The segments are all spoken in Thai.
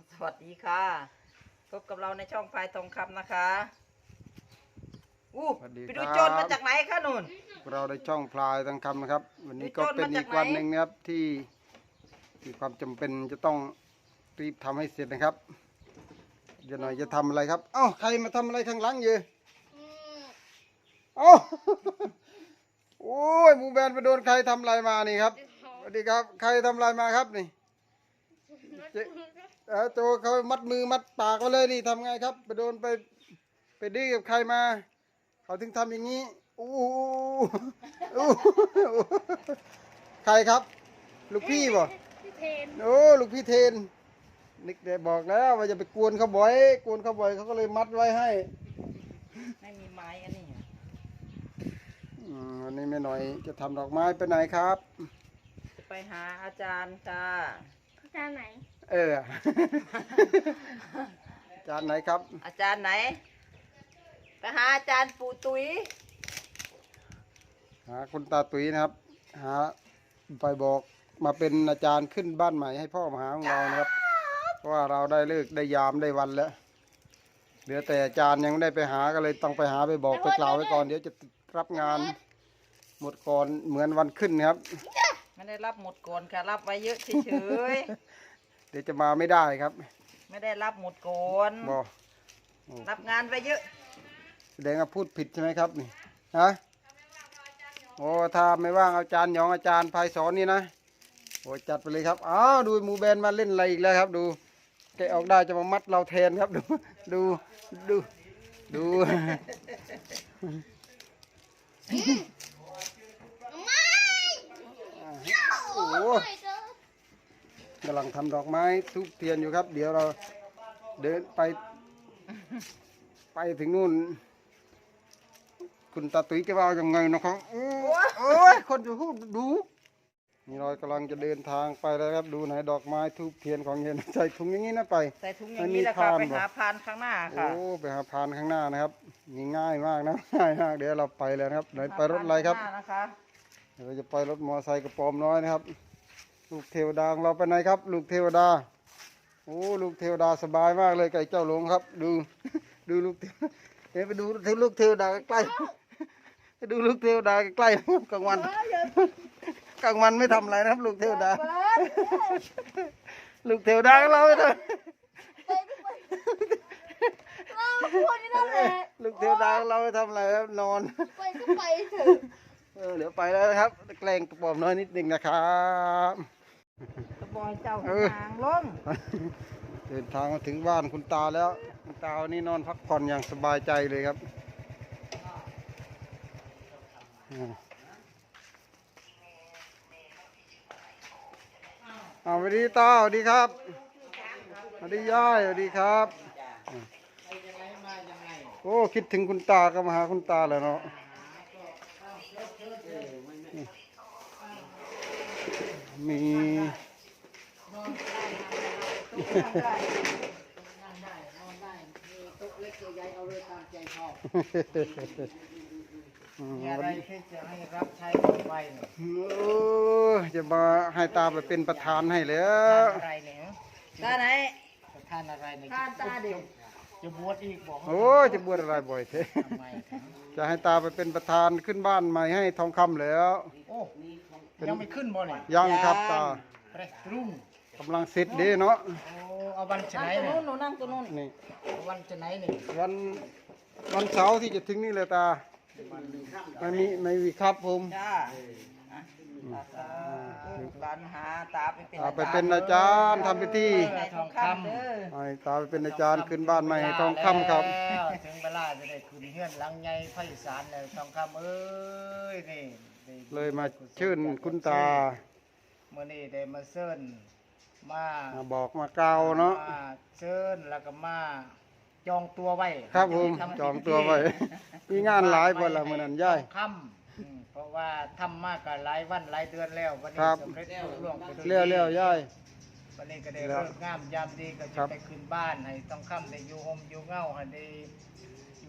สวัสดีค่ะพบกับเราในช่องพายทองคำนะคะไปดูโจรมาจากไหนคะนุ่นเราได้ช่องพลายทองคำนะครับวันนี้ก็เป็นอีกวันหนึ่งนะครับที่มีความจำเป็นจะต้องรีบทำให้เสร็จนะครับเดี๋ยวหน่อยจะทำอะไรครับเอ้าใครมาทำอะไรข้างหลังอยู่เอ้าโอ้ยหมูแบนไปโดนใครทำอะไรมานี่ครับสวัสดีครับใครทำอะไรมาครับนี่โจเขามัดมือมัดปากไว้เลยนี่ทำไงครับไปโดนไปดื้อกับใครมาเขาถึงทำอย่างนี้อู้ใครครับลูกพี่บ่โอ้ลูกพี่เทนนิกเดบอกแล้วว่าจะไปกวนเขาบ่อยเขาก็เลยมัดไว้ให้ไม่มีไม้อันนี้วันนี้แม่หน่อยจะทำดอกไม้ไปไหนครับจะไปหาอาจารย์ค่ะอาจารย์ไหนอาจารย์ไหนครับอาจารย์ไหนไปหาอาจารย์ปู่ตุ้ยหาคุณตาตุ้ยนะครับหาไปบอกมาเป็นอาจารย์ขึ้นบ้านใหม่ให้พ่อมหาของเรานะครับเพราะว่าเราได้เลิกได้ยามได้วันแล้วเหลือแต่อาจารย์ยังไม่ได้ไปหาก็เลยต้องไปหาไปบอกไปกล่าวไว้ก่อนเดี๋ยวจะรับงานหมดก่อนเหมือนวันขึ้นครับไม่ได้รับหมดก่อนค่ะรับไว้เยอะเฉยเดี๋ยวจะมาไม่ได้ครับไม่ได้รับหมดก่อนบอกรับงานไว้เยอะแสดงว่าพูดผิดใช่ไหมครับนี่ฮะโอ้ถ้าไม่ว่างอาจารย์หยองอาจารย์ไพศาลนี่นะโอ้จัดไปเลยครับอ้าวดูหมูแบนมาเล่นอะไรอีกแล้วครับดูแกออกได้จะมามัดเราแทนครับดูโอ้กำลังทำดอกไม้ทุบเทียนอยู่ครับเดี๋ยวเราเดินไปถึงนู่นคุณตาตุ้ยจะว่ายังไงนะครับโอ้ยคนจะพูดดูนี่เรากำลังจะเดินทางไปแล้วครับดูไหนดอกไม้ทุบเทียนของเย็นใส่ถุงอย่างนี้นะไปใส่ถุงอย่างนี้แหละค่ะไปหาพานข้างหน้าค่ะโอ้ไปหาพานข้างหน้านะครับง่ายมากนะง่ายมากเดี๋ยวเราไปแล้วครับไหนไปรถอะไรครับเดี๋ยวเราจะไปรถมอเตอร์ไซค์กระป๋อมน้อยนะครับลูกเทวดาของเราไปไหนครับลูกเทวดาโอ้ลูกเทวดาสบายมากเลยไก่เจ้าหลงครับดูลูกเดี๋ยวไปดูลูกเทวดาใกล้ๆดูลูกเทวดาใกล้ๆกลางวันไม่ทำอะไรนะครับลูกเทวดาลูกเทวดาของเราไปเลยลูกเทวดาของเราไปทำอะไรครับนอนไปก็ไปเถอะเดี๋ยวไปแล้วนะครับแกล้งกระป๋อมน้อยนิดหนึ่งนะครับกระบอยเจ้าทางลงเดินทางมาถึงบ้านคุณตาแล้วคุณตาวันนี้นอนพักผ่อนอย่างสบายใจเลยครับสวัสดีตาสวัสดีครับสวัสดียายสวัสดีครับโอ้คิดถึงคุณตาก็มาหาคุณตาเลยเนาะมีอะไรที่จะให้รับใช้ไปจะมาให้ตาไปเป็นประธานให้แล้วอะไรเนี่ยตาไหนประธานอะไรเนี่ยตาเดียวจะบวชอีกบอกโอ้จะบวชอะไรบ่อยเท่จะให้ตาไปเป็นประธานขึ้นบ้านใหม่ให้ทองคำแล้วโอ้ยังไม่ขึ้นบ่เนี่ยยังครับตารุ่งกำลังเสร็จดีเนาะโอ้เอาวันจะไหนเนี่ยหนูนั่งตัวนู้นนี่วันจะไหนเนี่ยวันเสาร์ที่จะถึงนี่เลยตาไม่มีครับผมจ้าหลานหาตาไปเป็นอาจารย์ทำพิธีทองคำตาไปเป็นอาจารย์ขึ้นบ้านใหม่ทองคำครับถึงเวลาจะได้ขึ้นเฮือนหลังใหญ่ไพศาลเลยทองคำเอ้ยนี่เลยมาชื่นคุณตาเมื่อนี้ได้มาเชิญมาบอกมาเกล่าวเนาะเชิญแล้วก็มาจองตัวไว้ครับผมจองตัวไว้มีงานหลายวันละเมื่อนั้นย่ายค่ำเพราะว่าทำมากกับหลายวันหลายเดือนแล้ววันนี้สำเร็จล่วงไปเร็วย่ายวันนี้ก็ได้เลิกงามยามดีก็จะไปขึ้นบ้านให้ต้องค่ำได้อยู่ห่มอยู่เงาให้ได้อยู่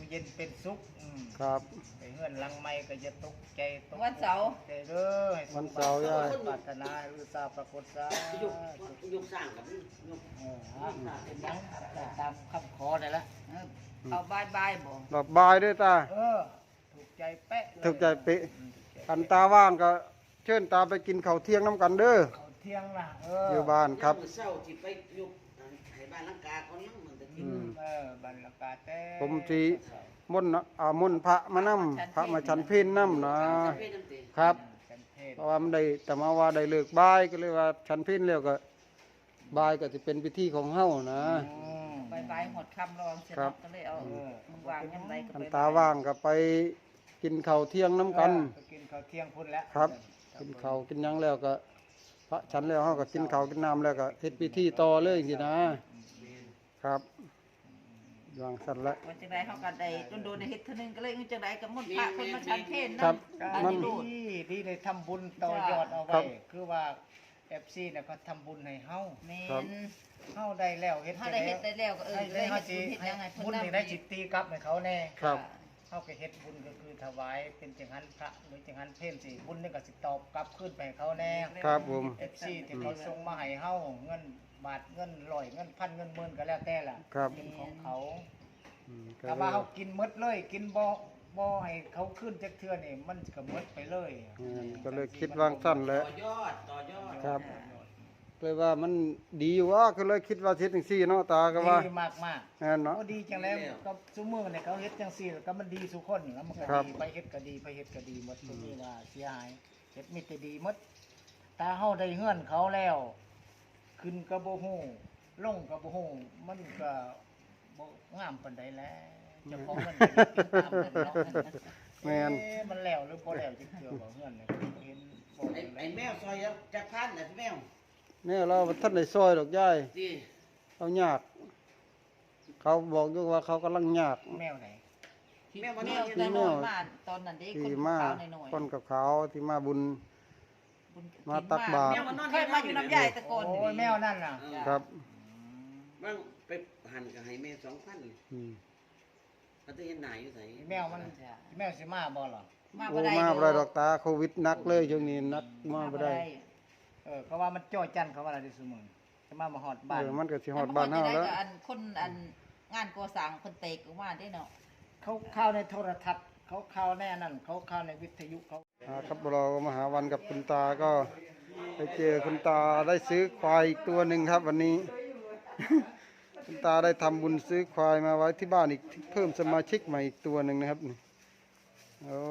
อยู่เย็นเป็นสุขครับไปเฮือนหลังไม่ก็จะตกใจตกวันเสาร์ใจเด้อให้สวันมเสาร์ย่ายปรารถนาอุตสาห์ปรากฏซะยกสร้างกับยกเป็นหยังตามคำขอได้ละเอาบายบายบ่ดอกบายด้วยตาถูกใจเป๊ะเลยถูกใจเป๊ะคันตาว่างก็เชิญตาไปกินข้าวเที่ยงน้ำกันเด้อเอาเที่ยงนะอยู่บ้านครับเศร้าที่ไปยกให้บ้านลังกาคนนั้นมันจะกินบรรยากาศแต่ผมสิมนต์มนต์พระมานํพระมาฉันเพลน้ำนะเพศน้ำตีครับกันเทศเพราะว่ามันได้แต่มาว่าได้เลิกบ่ายก็เลยว่าฉันเพลแล้วก็บ่ายก็จะเป็นพิธีของเฮานะบายบายหดคำรองเสร็จครับก็เลยเอามึงวางยังไงก็คันไปตาว่างก็ไปกินข้าวเที่ยงน้ำกันไปกินข้าวเที่ยงพุ่นแล้วครับ กินข้าวกินหยังแล้วก็พระฉันแล้วเฮาก็กินข้าวกินน้ำแล้วก็เฮ็ดพิธีต่อเลยสินะครับวางสั่นละวันจังไดเขากันได้โดนในเฮ็ดเท่านึงก็เลยจังไดก็มุ่นพระคนมาชันเพลครับอันมันนี้ดูดที่ได้ทำบุญต่อยอดเอาครัไว้บคือว่าเอฟซีเนี่ยเขาทำบุญให้เฮาแม่ครับนเฮาได้แล้วเฮ็ดถ้าได้เฮ็ดได้แล้วก็ให้ได้เฮาเฮ็ดสิเฮ็ดยังไงเพิ่นบุญนำนี่ได้จิตตีกลับให้เขาแน่ครับเฮาก็เฮ็ดบุญก็คือถวายเป็นจังหันพระหรือจังหันเพลสิบุญนี่ก็สิตอบกลับคืนไปให้เขาแน่ครับผมเอฟซีที่เขาส่งมาให้เฮาเงินบาทเงินร้อยเงินพันเงินหมื่นก็แล้วแต่ล่ะครับเป็นของเขาอืมก็ถ้าเลว่าย เขากินหมดเลยกินบ่ให้เขาขึ้นจักเทื่อนี่มันก็หมดไปเลยก็เลยคิดวางสั้นแหต่ล้วอยอดต่อยอดครับเลยว่ามันดีอยู่ว่าก็เลยคิดว่าเฮ็ดจังซี่เนาะตาก็ว่าดีมากมากแม่นๆเนาะเขาดีจังแล้วก็ซุมื้อเนี่ยเขาเฮ็ดจังซี่แล้วก็มันดีสุคนแล้วมันก็ครับดีไปเฮ็ดก็ดีไปเฮ็ดก็ดีหมดบ่มีว่าเสียหายเฮ็ดมีแต่ดีหมดตาเฮาได้เฮือนเขาแล้ว ขึ้นก็บ่ฮู้ลงก็บ่ฮู้มันก็บ่งามปานใดแล้วเจ้าของเงินก็เฮ็ดตามนั้นเนาะแม่นมันแล้วหรือบ่แล้วจักเทื่อบ่เฮือนเนี่ยเห็นบ่ไอ้แมวซอยจักพันนะแมวแม่เราท่านได้ซอยดอกยายที่เขายาก เขาบอกอยู่ว่าเขากำลังยากแมวไหนแมวมันแมนอวนอยู่แต่ในน้อยมาตอนนั้นเด็กที่คนมาขาวน้อยคนกับเขาที่มาบุญๆบุญมาตักบาตรแมวมันนอนเคยมาอยู่น้ำใหญ่ตะโกนโอ้ยแมวนั่นน่ะครับบางไปหันกับให้แม่2,000 อืมเขาจะเห็นหน้าอยู่ไสแมวมันแมวสิมาบ่หรอมาโอ้บ่ได้มาบ่ได้ดอกตาโควิดหนักเลยช่วงนี้หนักมาบ่ได้เขาว่ามันจ้อยจันเขาว่าอะไรที่ซุมื้อจะมาหอดบ้านมันก็สิฮอดบ้านเฮาแล้วอันคนอันงานก่อสร้างคนเตกออกมาได้เนาะเขาเข้าในโทรทัศน์เขาเข้าในอันนั้นเขาเข้าในวิทยุเขาครับเรามาหาวันกับคุณตาก็ไปเจอคุณตาได้ซื้อควายอีกตัวหนึ่งครับ วันนี้ คุณตาได้ทำบุญซื้อควายมาไว้ที่บ้านอีกเพิ่มสมาชิกใหม่อีกตัวหนึ่งนะครับนี่โอ้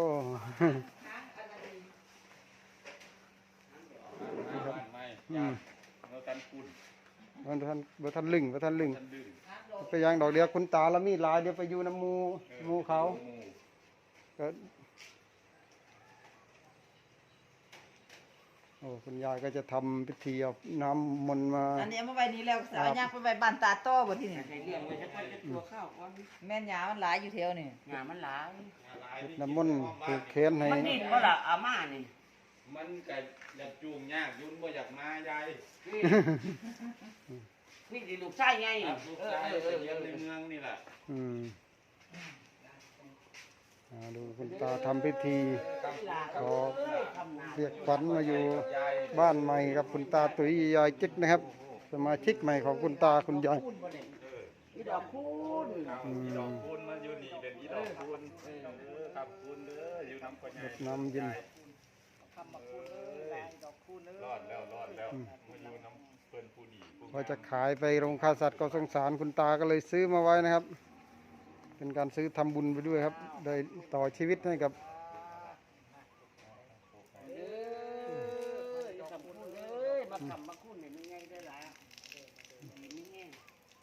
อืมบ่ทันลึงไปยังดอกเดียวคุณตาแล้วมีหลายเดี๋ยวไปอยู่น้ำหมูเขาก็โอ้คุณยายก็จะทำพิธีเอาน้ำมนต์มาอันนี้เอามาไว้นี่แล้วสาวยางไปไว้บ้านตาโต้บ่ที่นี่ให้เลี้ยงไว้จักพันจักตัวข้าวก่อนแม่นยามันหลายอยู่แถวนี่งานมันหลายน้ำมนต์ผูกแขนให้มันนี่บ่ล่ะอาม่านี่มันก็อยากจูงยากยุ่นบ่อยากมายายนี่สิลูกชายไงครับลูกชายไปเลี้ยงในเมืองนี่แหละอืมดูคุณตาทำพิธีขอเรียกขวัญมาอยู่บ้านใหม่กับคุณตาตุ๋ยยายจิ๊กนะครับ สมาชิกใหม่ของคุณตาคุณยายอีดอกคูณอีดอกคูณมาอยู่นี่เป็นอีดอกคูณครับคูณเด้ออยู่น้ำก่อนใหญ่น้ำเย็นทำมาคูณเลยดอกคูณเลยรอดแล้วมาอยู่น้ำเพิ่นผู้ดีผู้ว่าจะขายไปโรงฆ่าสัตว์ก็สงสารคุณตาก็เลยซื้อมาไว้นะครับ เป็นการซื้อทำบุญไปด้วยครับ ได้ต่อชีวิตให้กับทำคูณเลยมาทำมาคูณเนี่ยมันไงได้ล่ะดีไม่แห้ง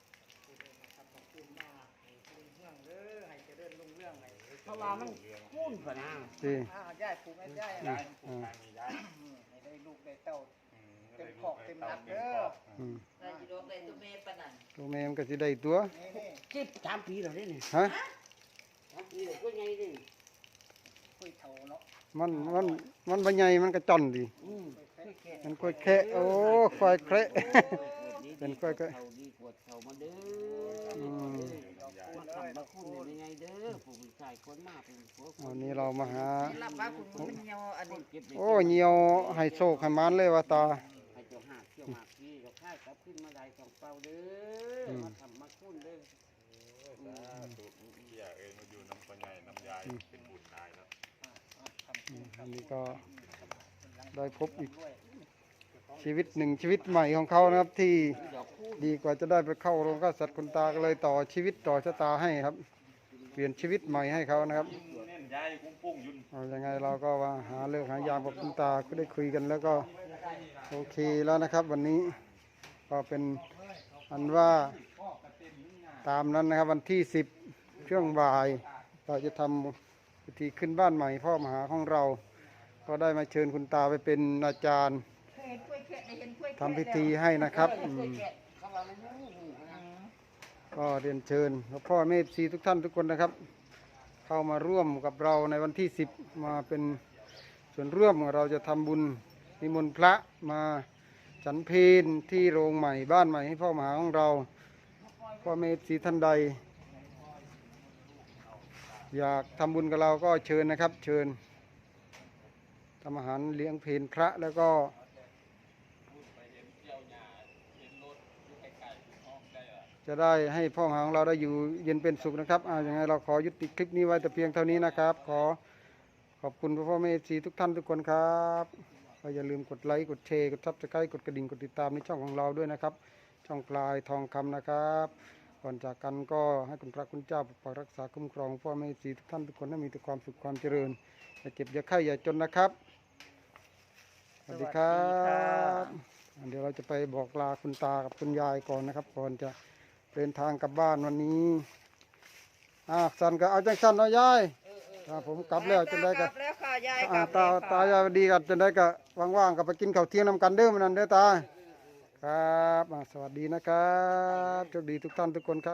ให้เจริญรุ่งเรื่องให้เพราะว่ามันคูณกว่านะที่ย่ายผูกให้ย่ายยายผูกทางนี้ยายให้ได้ลูกได้เต้าเต็มขอกเต็มนักเด้ออืมได้สิดอกได้ตัวแม่ปานนั้นตัวแม่มันก็สิได้ตัวนี่ 3 ปีแล้วเด้นี่ฮะ 3 ปีแล้วก็ไงเด้คุยเท่าเนาะมันบ่ใหญ่มันก็จ่อนดี มันค่อยแคะโอ้ค่อยแคระ เป็นค่อยแคะเขาดีกว่าเขามาเด้ออืมดอกยายมาทำมาคุณเนี่ยยังไงเด้อผู้ชายคนมาเป็นผัววันนี้เรามาหารับว่าคุณมันเหี่ยวอันนี้เก็บได้โอ้เหี่ยวให้โชคให้มันเลยว่าตาให้เจ้าหาเที่ยวหมากพี่ก็ค่ายกลับขึ้นมาได้สองเป่าเด้อมาทำมาคุณเด้อสาธุเที่ยเอ้ยมาอยู่น้ำพ่อใหญ่น้ำยายเป็นบุญนายเนาะอันนี้ก็ได้พบอีกชีวิตหนึ่งชีวิตใหม่ของเขานะครับ ที่ดีกว่าจะได้ไปเข้าโรงฆ่าสัตว์คุณตาก็เลยต่อชีวิตต่อชะตาให้ครับ เปลี่ยนชีวิตใหม่ให้เขานะครับเน่นยายกุ้งปุ้งยุ่นเอายังไงเราก็ว่าหาเลิกหายามกับคุณตาก็ได้คุยกันแล้วก็โอเคแล้วนะครับ วันนี้ก็เป็นอันว่าตามนั้นนะครับ วันที่10ช่วงบ่ายเราจะทำพิธีขึ้นบ้านใหม่พ่อมหาของเรา ก็ได้มาเชิญคุณตาไปเป็นอาจารย์ทำพิธีให้นะครับก็เรียนเชิญพ่อแม่ชีทุกท่านทุกคนนะครับ เข้ามาร่วมกับเราในวันที่10มาเป็นส่วนร่วมเราจะทำบุญนิมนต์พระมาฉันเพลที่โรงใหม่บ้านใหม่ให้พ่อมหาของเราพ่อแม่ชีท่านใด อยากทำบุญกับเราก็เชิญนะครับ เชิญทำอาหารเลี้ยงเพลพระแล้วก็จะได้ให้พ่อมหาของเราได้อยู่เย็นเป็นสุขนะครับอย่างไรเราขอยุติคลิปนี้ไว้แต่เพียงเท่านี้นะครับ ขอบคุณพ่อแม่ซีทุกท่านทุกคนครับก็อย่าลืมกดไลค์กดแชร์กดซับสไครต์กดกระดิ่งกดติดตามในช่องของเราด้วยนะครับ ช่องปลายทองคำนะครับก่อนจากกันก็ให้คุณพระคุณเจ้าปกปักรักษาคุ้มครองพ่อแม่ซีทุกท่านทุกคนให้มีแต่ความสุขความเจริญอย่าเจ็บอย่าไข้อย่าจนนะครับสวัสดีครับเดี๋ยวเราจะไปบอกลาคุณตากับคุณยายก่อนนะครับก่อนจะเดินทางกลับบ้านวันนี้สันก็เอาจังสันเอายายผมกลับแล้วจนได้กันแล้วค่ะยายกลับตายายดีกันจนได้ก็ว่างๆก็ไปกินข้าวเที่ยงนำกันเด้อมันนั่นเด้อตาครับสวัสดีนะครับโชคดีทุกท่านทุกคนครับ